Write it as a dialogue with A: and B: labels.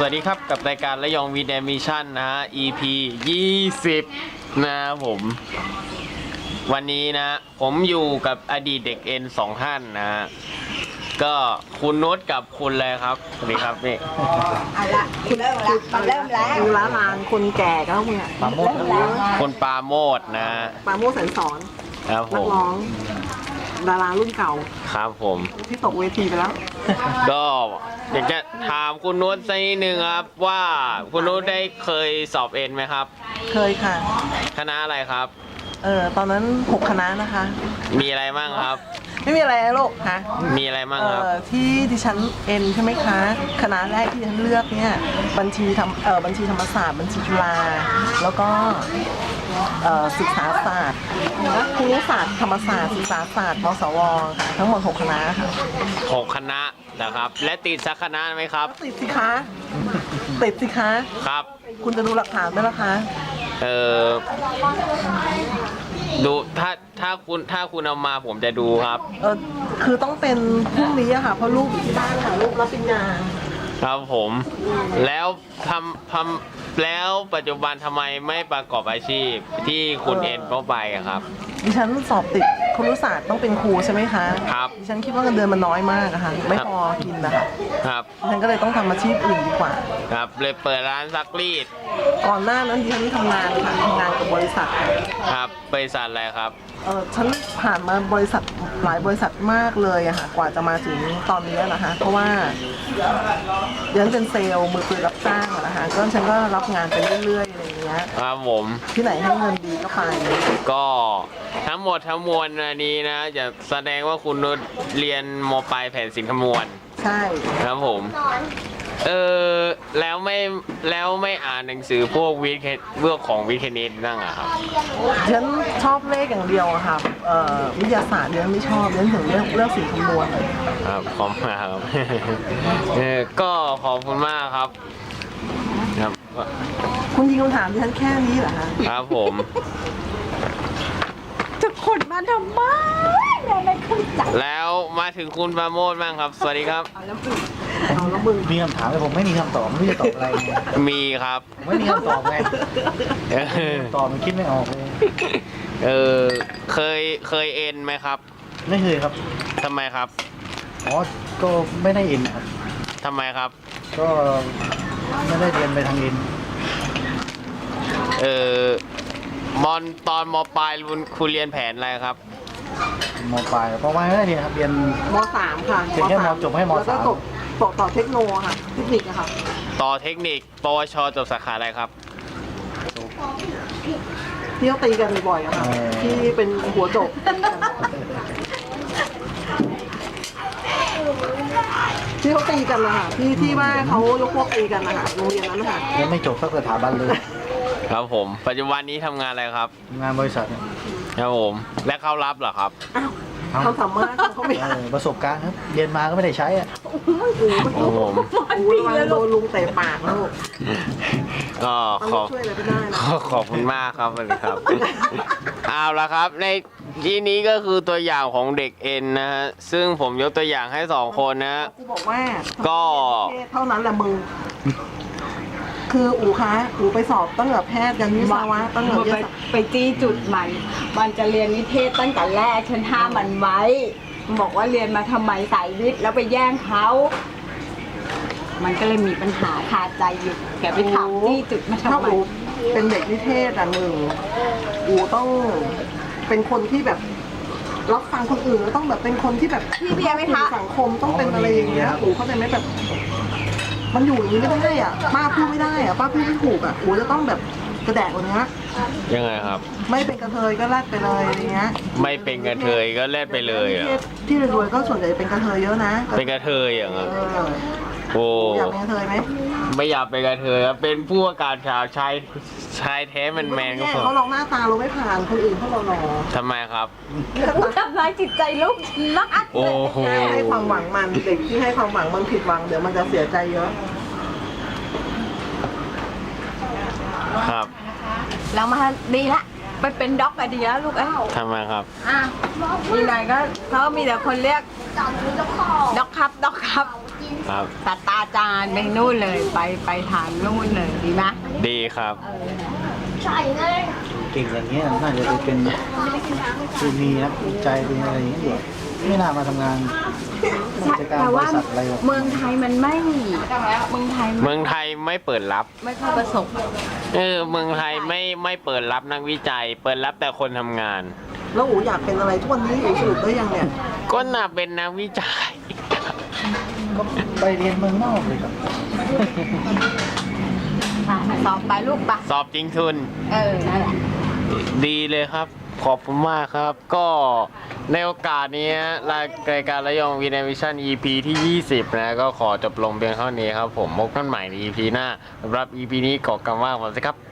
A: วัสดีครับกับรายการระยองวีแดมิชั่นนะฮะ EP 20นะครับผมวันนี้นะผมอยู่กับอดีตเด็กเอ็น2ท่านนะฮะก็คุณนุชกับคุณเลยครับสวัสดีครับนี่
B: เอาละคุณเริ่มแล้วมันเริ่มแล้ว
C: ดูละลานคนแก่ก็ต้องมึงอ่ะ
B: ปาโมดแล้ว
A: คุณปาโมดนะ
C: ปาโมดแสนสอน
A: ครับผ
C: นัก
A: ม
C: ร้องดารารุ่นเก่า
A: ครับผม
C: ที่ตกเวทีไปแล้ว
A: ก็อยากจะถามคุณนุชสักนิดนึงครับว่าคุณนุชได้เคยสอบเอ็นไหมครับ
C: เคยค่ะ
A: คณะอะไรครับ
C: ตอนนั้น6คณะนะคะ
A: มีอะไรบ้างครับ
C: ไม่มีอะไรนะลูกฮะ
A: มีอะไรบ้างครับ
C: ที่ดิฉันเอ็นใช่ไหมคะคณะแรกที่ดิฉันเลือกเนี่ยบัญชีธรรมศาสตร์บัญชีจุฬาแล้วก็ศึกษาศาสตร์ครุศาสตร์ธรรมศาสตร์ศึกษาศาสตร์มสวค่ะทั้งหมด6คณะค่ะ
A: 6คณะนะครับและติดสักคณะไหมครับ
C: ติดสิคะติดสิคะ
A: ครับ
C: คุณจะดูหลักฐานไหมล่ะคะ
A: ดูถ้าคุณเอามาผมจะดูครับ
C: คือต้องเป็นพรุ่งนี้อะค่ะเพราะลูกอยู่ที่บ้านค่ะลูกรับปริญญา
A: ครับผมแล้วแล้วปัจจุบันทำไมไม่ประกอบอาชีพที่คุณเอ็นเข้าไปครับ
C: ดิฉันสอบติดครุศาสตร์ต้องเป็นครูใช่ไหมคะ
A: ครับ
C: ดิฉันคิดว่าเงินเดือนมันน้อยมากอะค่ะไม่พอกินนะคะ
A: ครับ
C: ดิฉันก็เลยต้องทำอาชีพอื่นดีกว่า
A: ครับเลยเปิดร้านซักรีด
C: ก่อนหน้านั้นดิฉันทำงานค่ะทำงานกับบริษัท
A: ครับบริษัทอะไรครับ
C: ฉันผ่านมาบริษัทหลายบริษัทมากเลยอะค่ะกว่าจะมาถึงตอนนี้นะคะเพราะว่าดิฉันเป็นเซลล์มือปืนรับจ้างนะคะก็ฉันก็รับงานไปเรื่อยๆอะไรอย่างเงี้ย
A: ครับผม
C: ที่ไหนให้เงินดีก็ไป
A: ก็ทั้งหมดทั้งมวลอันนี้นะจะแสดงว่าคุณนุชเรียนม.ปลายแผนศิลป์คำนวณ
C: ใช่
A: ครับผมแล้วไม่อ่านหนังสือพวกวิทย์ของวิทย์คณิตนั่งอะครับ
C: ฉันชอบเลขอย่างเดียวอะค่ะวิทยาศาสตร์ฉันไม่ชอบฉันถึงเลือกศิลป์คำนวณ
A: ครับขอบคุณมากครับก็ขอบคุณมากครับครับ
C: คุณยิงคำถามดิฉันแค่นี้เหรอคะ
A: ครับผม
C: จะขนมาทำไมไม่เข้าใจ
A: แล้วมาถึงคุณปราโมทบ้างครับสวัสดีครับ
C: เอาแล้วมึง
D: มีคำถามแต่ผมไม่มีคำตอบไม่รู้จะตอบอะไรไง
A: มีครับ
D: ไม่มีคำตอบไงตอบมันคิดไม่ออกเลย
A: เคยเอ็นไหมครับ
D: ไม่เคยครับ
A: ทำไมครับ
D: อ๋อก็ไม่ได้เอ็นครับ
A: ทำไมครับ
D: ก็ไม่ได้เรียนไปทางเอ็น
A: ตอนม.ปลายคุณเรียนแผนอะไรครับ
D: ม.ปลายเพราะว่าไม่ได้เรียนครับเรียน
C: ม.3 ค่ะ
D: เรียนแค่ม.จบให้ม.3
C: แล้วก็ต่อเทคโนค่ะเทคนิคอะค่ะ
A: ต่อเทคนิคปวชจบสาขาอะไรครับ
C: ที่เขาตีกันบ่อยๆอะค่ะที่เป็นหัวโจกที่เขาตีกันนะคะที่ว่าเขายกพวกตีกันนะคะโรงเรียนนั้นนะคะ
D: ยังไม่จบสักสถาบันเลย
A: ครับผมปัจจุบันนี้ทำงานอะไรครับ
D: ทำงานบริษัท
A: ครับผมและเขารับเหรอครับ
C: เขาสามารถเขาไม่
D: ประสบการณ์ครับเรียนมาก็ไม่ได้ใช้อ่ะ
A: โอ้โห
C: โดนลุงเตะปากแล้ว
A: ก็ขอบคุณมากครับสวัสดีครับเอาละครับในที่นี้ก็คือตัวอย่างของเด็กเอ็นนะฮะซึ่งผมยกตัวอย่างให้2คนนะ
C: กูบอกว่า
A: ก็
C: เท่านั้นแหละมึงคืออูไปสอบตั้งแต่แพทย์ยันวิศวะตั้งแต่
B: ไปจี้จุดมันจะเรียนนิเทศตั้งแต่แรกฉันห้ามมันไว้บอกว่าเรียนมาทำไมสายวิทย์แล้วไปแย่งเขามันก็เลยมีปัญหาคาใจอยู่แกไปถามจี้จุดมาทำไม
C: เป็นเด็กนิเทศอ่ะมึงอูต้องเป็นคนที่แบบรับฟังคนอื่นแล้วต้องแบบเป็นคนที่แบบ
B: พี่เบียร์ไหมคะ
C: สังคมต้องเป็นอะไรอย่างเงี้ยอูเขาใจไหมแบบมันอยู่อย่างนี้ไม่ได้อ่ะป้าพูดไม่ได้อ่ะป้าพูดไม่ถูกอ่ะอูจะต้องแบบกระแดกกว่านี้
A: ยังไงครับ
C: ไม่เป็นกระเทยก็แลดไปเลยอะไรเงี้ย
A: ไม่เป็นกระเทยก็แลดไปเลยอ่ะ
C: ที่รวยก็ส่วนใหญ่เป็นกระเทยเยอะนะ
A: เป็นกระเทยอย่างเงี้ย
C: โอ้อยากเป็นกระเทยไหม
A: ไม่อยากเป็นกระเทยครับเป็นผู้ประกาศข่าวชายแท้แมนก็พอ
C: เขาลองหน้าตาเราไม่ผ่านคนอื่นเขาเราหล่อ
A: ทำไมครับ
B: ทำร้ายจิตใจลูกนักอัด
C: เลยให้ความหวังมันเด็กที่ให้ความหวังมันผิดหวังเดี๋ยวมันจะเสียใจเยอะ
A: ครับ
B: แล้วมาดีละไปเป็นด็อกอะดีแล้วลูก
A: ทำไมครับ
B: มีหน่อยก็เขามีแต่คนเรียกด็อกครับ
A: ครับ
B: ศาสตราจารย์ไปนู่นเลยไปทางนู่นเลยดีไหม
A: ดีครับ
D: เก่งอย่างเงี้ยน่าจะไปเป็นคือมีนักวิจัยเป็นอะไรอย่างเงี้ยอยู่ไม่น่ามาทำงานกิจการ
B: แต่
D: บ
B: ว่า
D: ริษัทอะไรหรอก
B: เมืองไทยมันไม่เมืองไทย
A: เมืองไทยไม่เปิดรับ
B: ไม่ค่อยประสบ
A: เมืองไทยไม่เปิดรับนักวิจัย เปิดรับแต่คนทำงาน
C: แล้วอูอยากเป็นอะไรทุกวันนี้อูสรุปได้ยังเนี่ย
A: ก็น่าเป็นนักวิจัย
D: ก็ไปเรียนเมืองนอกเลยครับ
B: สอบไปลูกปะ
A: สอบจริงทุน
B: นั่นแหละ
A: ดีเลยครับ ขอบคุณมากครับ ก็ในโอกาสนี้รายการระยองวีนวิชั่น EP ที่ 20 นะ ก็ขอจบลงเพียงเท่านี้ครับผมพบกันใหม่ใน EP หน้าสำหรับ EP นี้ขอกล่าวว่าสวัสดีครับ